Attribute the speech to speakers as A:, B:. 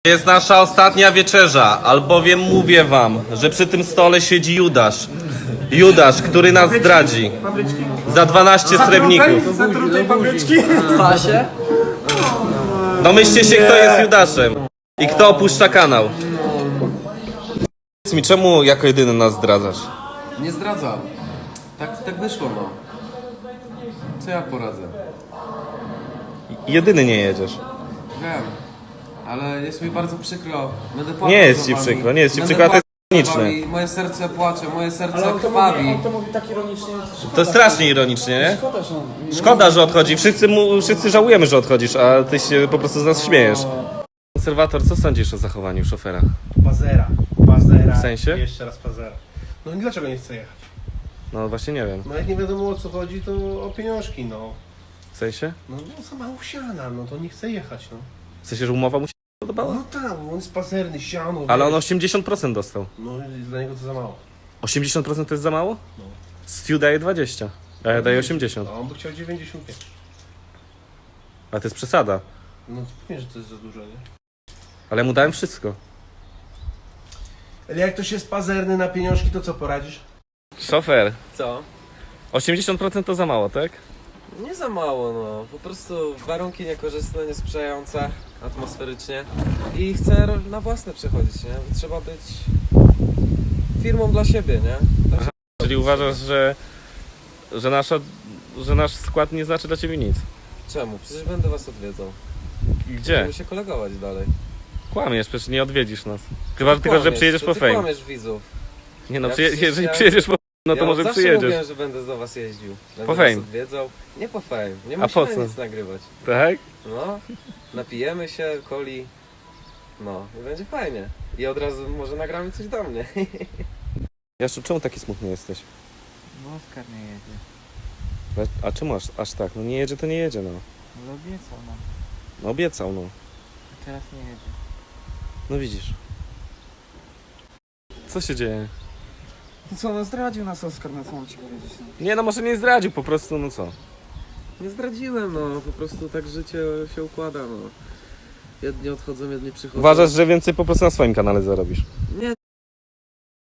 A: Jest nasza ostatnia wieczerza, albowiem mówię wam, że przy tym stole siedzi Judasz. Judasz, który nas zdradzi. Za 12 srebrników.
B: Zatrutej papryczki.
C: Pasie?
A: Domyślcie się, kto jest Judaszem i kto opuszcza kanał. Powiedz mi, czemu jako jedyny nas zdradzasz?
C: Nie zdradzam. Tak wyszło, no. Co ja poradzę?
A: Jedyny nie jedziesz.
C: Wiem. Ale jest mi bardzo przykro. Będę płakał
A: Nie jest
C: za
A: ci
C: wami.
A: przykro, nie jest ci
C: Będę
A: przykro, a to jest
C: płakał za
A: ironiczne.
C: wami. Moje serce płacze, moje serce
B: On
C: krwawi.
B: to mówi tak ironicznie.
A: To jest strasznie ironicznie, nie?
B: Szkoda, że on...
A: Szkoda, że odchodzi. Wszyscy żałujemy, że odchodzisz, a ty się po prostu z nas śmiejesz. Konserwator, co sądzisz o zachowaniu szofera?
D: Pazera.
A: W sensie?
D: Jeszcze raz pazera. No i dlaczego nie chce jechać?
A: No właśnie nie wiem.
D: No jak nie wiadomo o co chodzi, to o pieniążki, no.
A: W sensie?
D: No sama usiana, no to nie chce jechać, no.
A: W sensie, że umowa mu się podobała?
D: No tak, on jest pazerny, siano.
A: Ale on
D: wiesz.
A: 80% dostał.
D: No i dla niego to za mało.
A: 80% to jest za mało?
D: No.
A: Stu daje 20, a ja daję 80.
D: A on by chciał 95.
A: Ale to jest przesada.
D: No to pewnie, że to jest za dużo, nie?
A: Ale mu dałem wszystko.
D: Ale jak ktoś jest pazerny na pieniążki, to co poradzisz?
A: Szofer,
C: Co?
A: 80% to za mało, tak?
C: Nie za mało, no. Po prostu warunki niekorzystne, niesprzyjające atmosferycznie. I chcę na własne przechodzić, nie? Trzeba być firmą dla siebie, nie?
A: Czyli uważasz, że nasz skład nie znaczy dla ciebie nic?
C: Czemu? Przecież będę was odwiedzał.
A: Gdzie?
C: Będziemy się kolegować dalej.
A: Kłamiesz, przecież nie odwiedzisz nas. Chyba tylko, że
C: Kłamiesz,
A: przyjedziesz
C: to
A: po
C: ty
A: fame.
C: kłamiesz widzów.
A: Nie no,
C: Ja przecież
A: jeżeli
C: ja-
A: przyjedziesz po no to
C: ja
A: może
C: zawsze
A: przyjedziesz.
C: mówiłem, że będę do was jeździł. Będę
A: Po
C: was
A: fame.
C: odwiedzał. Nie po fame. Nie
A: A po
C: musimy
A: co?
C: nic nagrywać.
A: Tak?
C: No, napijemy się, coli. No, i będzie fajnie. I od razu może nagramy coś do mnie.
A: Jaszczu, czemu taki smutny jesteś?
E: No Oskar nie jedzie.
A: A czemu aż tak? No nie jedzie, to nie jedzie, no.
E: Ale obiecał nam,
A: No obiecał, no.
E: a teraz nie jedzie.
A: No widzisz. Co się dzieje?
B: No co, no zdradził nas Oskar, na co mam ci powiedzieć? No.
A: Nie no, może nie zdradził, po prostu, no co?
C: Nie zdradziłem, no. Po prostu tak życie się układa, no. Jedni odchodzą, jedni przychodzą.
A: Uważasz, że więcej po prostu na swoim kanale zarobisz?
C: Nie,